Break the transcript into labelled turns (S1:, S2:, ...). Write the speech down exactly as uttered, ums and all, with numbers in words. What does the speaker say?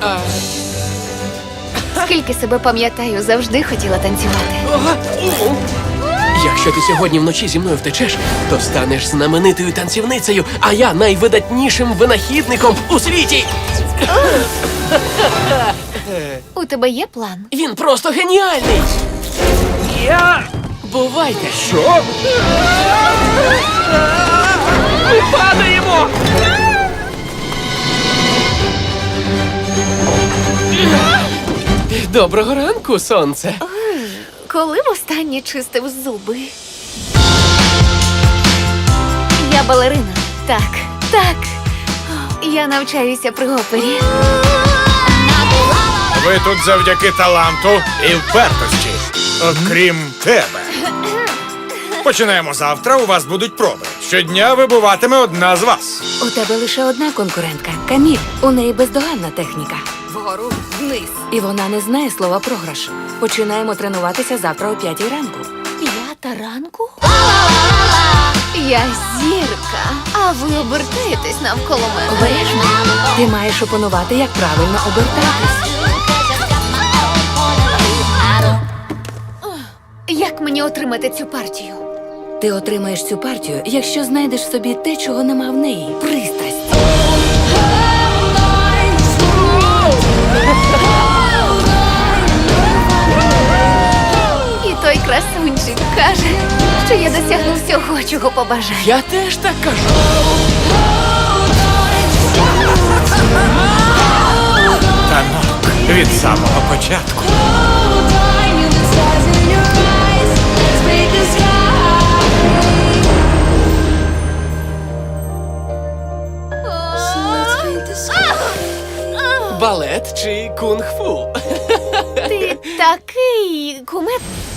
S1: А...
S2: Скільки себе пам'ятаю, завжди хотіла танцювати.
S1: Ага. Якщо ти сьогодні вночі зі мною втечеш, то станеш знаменитою танцівницею, а я найвидатнішим винахідником у світі.
S2: У тебе є план?
S1: Він просто геніальний. Я... Бувайте.
S3: Що?
S1: Ми падаємо! Доброго ранку, сонце.
S2: Коли востаннє чистив зуби? Я балерина. Так, так. Я навчаюся при опері.
S3: Ви тут завдяки таланту і впертості. Окрім тебе. Починаємо завтра, у вас будуть проби. Щодня вибуватиме одна з вас.
S4: У тебе лише одна конкурентка – Каміль. У неї бездоганна техніка. Вгору, вниз. І вона не знає слова програш. Починаємо тренуватися завтра о п'ятій ранку.
S2: П'ята ранку? Я зірка, а ви обертаєтесь навколо мене.
S4: Обережно. Ти маєш опанувати, як правильно обертатись.
S2: Як мені отримати цю партію?
S4: Ти отримаєш цю партію, якщо знайдеш в собі те, чого нема в неї. Пристрасть.
S2: І той красунчик каже, що я досягну всього, чого побажаю.
S1: Я теж так кажу.
S3: Танок від самого початку.
S1: Балет чи кунг-фу?
S2: Ти такий кумет.